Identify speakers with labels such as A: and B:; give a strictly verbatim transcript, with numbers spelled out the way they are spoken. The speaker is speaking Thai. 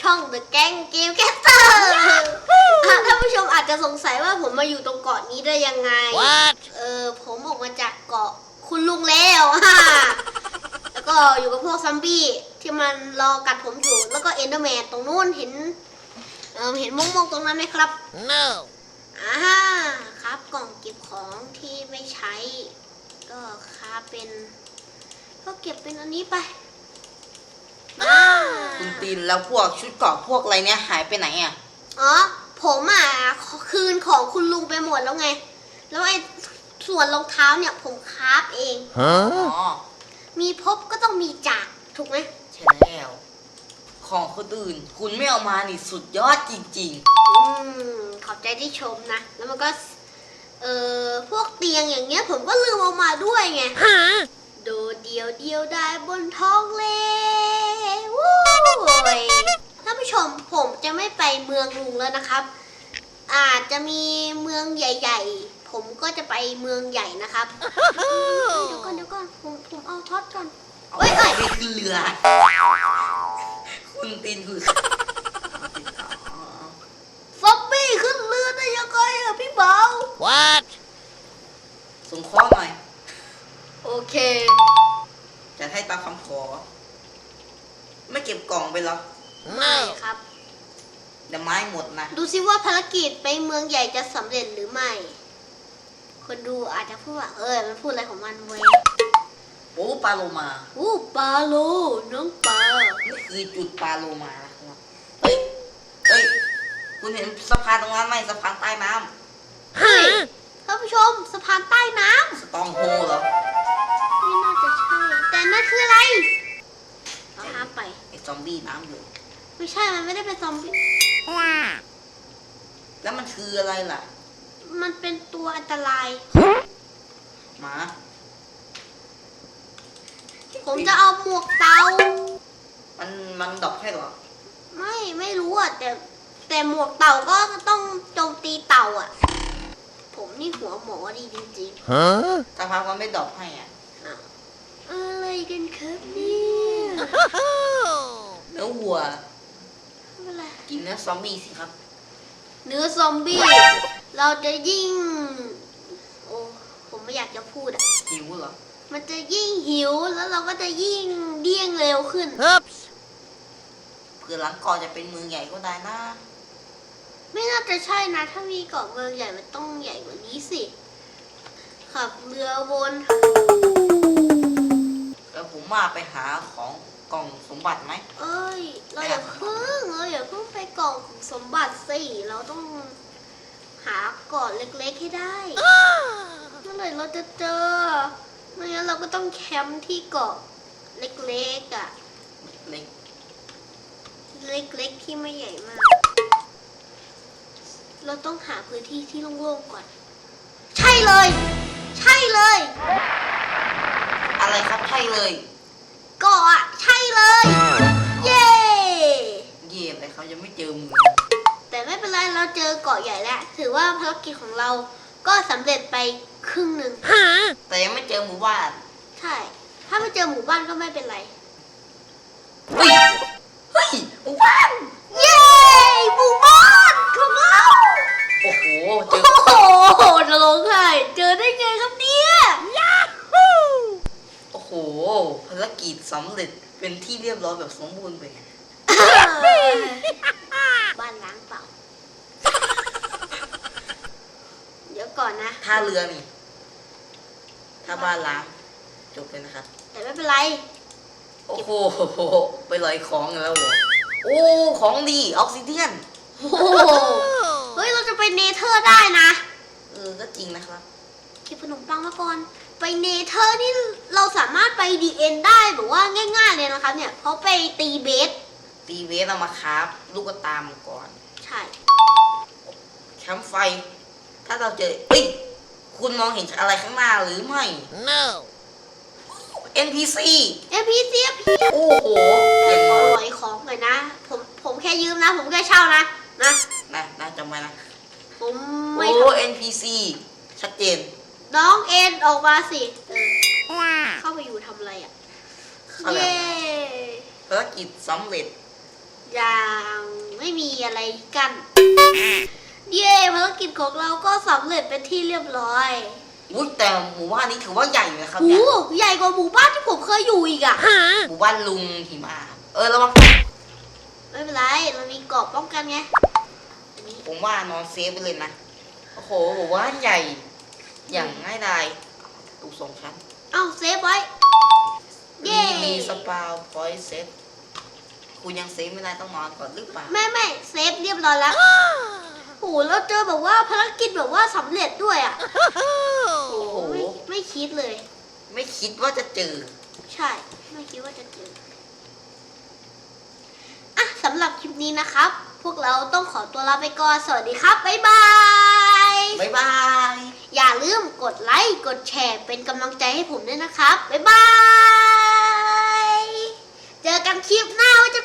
A: ช่อง The Gang Game Caster ท่านผู้ชมอาจจะสงสัยว่าผมมาอยู่ตรงเกาะนี้ได้ยังไง
B: What?
A: เออผมออกมาจากเกาะคุณลุงแล้วฮะแล้วก็อยู่กับพวกซัมบี้ที่มันรอกัดผมอยู่แล้วก็เอนเดอร์แมนตรงนู้นเห็นเออเห็นม่วงๆตรงนั้นไหมครับ
B: No.
A: อ่าครับกล่องเก็บของที่ไม่ใช้ก็ครับเป็นก็เก็บเป็นอันนี้ไปอ่า
C: คุณตีนแล้วพวกชุดเกราะพวกอะไรเนี่ยหายไปไหนอ่ะ
A: อ๋อผมอ่ะคืนของคุณลุงไปหมดแล้วไง แล้วไอ้ส่วนรองเท้าเนี่ยผมคราฟเอง
C: อ๋อ
B: Huh?
A: มีพบก็ต้องมีจากถูกไหม
C: ใช่แล้วของคนอื่นคุณไม่เอามานี่สุดยอดจริง
A: อืมขอบใจที่ชมนะ แล้วมันก็เอ่อพวกเตียงอย่างเงี้ยผมก็ลืมเอามาด้วยไง
B: Huh?
A: โดดเดียวเดียวได้บนท้องเลวู้ยท่านผู้ชมผมจะไม่ไปเมืองลุงแล้วนะครับ อาจจะมีเมืองใหญ่ๆ ผมก็จะไปเมืองใหญ่นะครับ เดี๋ยวก่อนเดี๋ยวก่อนผมผมเอาท็อตก่อน
C: ๆเอา
A: เอ้ย
C: ไป
A: เอ้ย
C: ขึ้นเรือ คุณตีนคือ
A: ซอมบี้ขึ้นเรือได้ยังไงอะพี่เบา
B: What?
C: ส่งข้อหน่อย
A: โอเค
C: จะให้ตามคำขอ ไม่เก็บกล่องไปหรอ
A: ไม่
B: No.
A: ครับ
C: เดี๋ยวไม้หมดนะ
A: ดูซิว่าภารกิจไปเมืองใหญ่จะสำเร็จหรือไม่ คนดูอาจจะพูดว่าเออมันพูดอะไรของมันเว้ย
C: โอ้ปลาโลมา
A: อู้ปลาโลน้องปลา
C: นี่คือจุดปลาโลมานะครับ เฮ้ย เฮ้ย คุณเห็นสะพานตรงนั้นไหมสะพานใต้น้
B: Huh?
A: ท่านผู้ชมสะพานใต้น้
C: ำสตองโฮเหรอ
A: ำไม่น่าจะใช่ แต่นั่นคืออะไรเอาห้ามไป
C: ไอ้ซอมบี้น้ำอยู่
A: ไม่ใช่ มันไม่ได้เป็นซอมบี้
C: แล้วมันคืออะไรล่ะ
A: มันเป็นตัวอันตราย
C: หมา
A: ผมจะเอาหมวกเตา
C: มันมันดอกให้เหรอ
A: ไม่ไม่รู้อ่ะแต่แต่หมวกเต่าก็ต้องโจมตีเต่าอ่ะ ผมนี่หัวหมอดีจริง
B: Huh?
C: สะพานมันไม่ดอกให้อ่ะ
A: ๆอ้าวอะไรกันครับเนี่ย
C: เนื้อวัว
A: ไม่เป็นไร
C: กินเนื้อซอมบี้สิครับ
A: เนื้อซอมบี้เราจะยิ่ง โอ้ผมไม่อยากจะพูดอ่ะ
C: หิวเหรอ
A: มันจะยิ่งหิวแล้วเราก็จะยิ่งเดี้ยงเร็วขึ้น
B: Oops.
C: เผื่อหลังก่อนจะเป็นเมืองใหญ่ก็ได้นะ
A: ไม่น่าจะใช่นะ ถ้ามีเกาะเมืองใหญ่มันต้องใหญ่กว่านี้สิขับเรือวน
C: แล้วผมมาไปหาของกล่องสมบัติไหม
A: เอ้ย เราอย่าเพิ่งเราอย่าเพิ่งไปเกาะของสมบัติสิเราต้องหาเกาะเล็กๆให้ได้เมื่อไหร่เราจะเจอไม่งั้นเราก็ต้องแคมป์ที่เกาะเล็กๆอ่ะ
C: เล็ก
A: เล็กๆที่ไม่ใหญ่มาก เราต้องหาพื้นที่ที่โล่งๆก่อน ใช่เลย ใช่เลย
C: อะไรครับใช่เลย
A: เกาะอะใช่เลย เย้
C: เย่อะไรเขายังไม่เจอเมือง
A: แต่ไม่เป็นไรเราเจอเกาะใหญ่แล้ว ถือว่าภารกิจของเราก็สำเร็จไปครึ่งหนึ่ง
B: Huh?
C: แต่ยังไม่เจอหมู่บ้าน
A: ใช่ ถ้าไม่เจอหมู่บ้านก็ไม่เป็นไร
C: เฮ้ย เฮ้ยหมู่บ้าน
A: เย้หมู่บ้านของเรา
C: โอ้โห เจ
A: โอ้
C: อ
A: โหจะร้องไห้เจอได้ไงครับเนี่ย
B: Yahoo!
C: โอ้โห ภารกิจสำเร็จเป็นที่เรียบร้อยแบบสมบูรณ์ไป
A: บ้านล้างเปล่า เดี๋ยวก่อนนะ
C: ท่าเรือนี่ ถ้าบ้านล้าง จบเลยนะครับ
A: แต่ไม่เป็นไร
C: โอ้โห ไปลอยของกันแล้วเหรอโอ้ ของดีออกซิเดียน
A: โอ้โหเฮ้ย เราจะไปเนเธอร์ได้นะ
C: เออ ก็จริงนะครับ
A: เก็บขนมปังมาก่อน ไปเนเธอร์นี่เราสามารถไปดีเอ็นได้แบบว่าง่ายๆเลยนะครับเนี่ย เพราะไปตีเบส
C: ตีเวสเอามาครับลูกตามงก่อน
A: ใช่
C: แคมป์ไฟ ถ้าเราเจอเฮ้ย คุณมองเห็นอะไรข้างหน้าหรือไม่
B: No.
C: เอ็น พี ซี
A: เอพีซีพี
C: โอ้โห
A: แต่
C: อย่าง
A: ขอ
C: น้อย
A: หลอยของหน่อยนะ ผมผมแค่ยืมนะ ผมแค่เช่านะ นะ
C: นะนะจำไว้นะ
A: ผม
C: โอ้
A: ไม่ท
C: เอ็น พี ซี ชัดเจน
A: ำน้องเอ็นออกมาสิเออ
B: Wow.
A: เข้าไปอยู่ทำอะไรอ่ะ
C: เข้าแล้ว
A: เย้
C: ภารกิจสำเร็จ
A: ยังไม่มีอะไรกัน เย้ภารกิจของเราก็สำเร็จเป็นที่เรียบร้อย
C: อุ้ยแต่หมู่บ้านนี้ถือว่าใหญ่อยู่นะครับ
A: โอ้
C: เนี่ย
A: โหใหญ่กว่าหมู่บ้านที่ผมเคยอยู่อีกอะ
C: หมู่บ้านลุงหิมะครับเออระวัง
A: ไม่เป็นไรเรามีเกราะป้องกันไงอันนี้
C: ผมว่านอนเซฟไปเลยนะโอ้โหหมู่บ้านใหญ่ อย่างง่ายดายตูสองชั้น
A: เอ้าเซฟไว้ เย้
C: มีมีสปาพอยต์เซฟคุณยังเซฟไม่ได้ต้องนอนก่อนหรือเปล่า
A: ไม่ไม่เซฟเรียบร้อยแล้ว โอ้โหแล้วเจอแบบว่าภารกิจแบบว่าสำเร็จด้วยอะ
C: โอ้โห
A: ไม่ไม่คิดเลย
C: ไม่คิดว่าจะเจอ
A: ใช่ ไม่คิดว่าจะเจออ่ะสำหรับคลิปนี้นะครับ พวกเราต้องขอตัวลาไปก่อน สวัสดีครับ บ๊ายบาย
C: บ๊ายบาย
A: อย่าลืมกดไลค์ กดแชร์ เป็นกำลังใจให้ผมด้วยนะครับ บ๊ายบาย เจอกันคลิปหน้าว่าจะ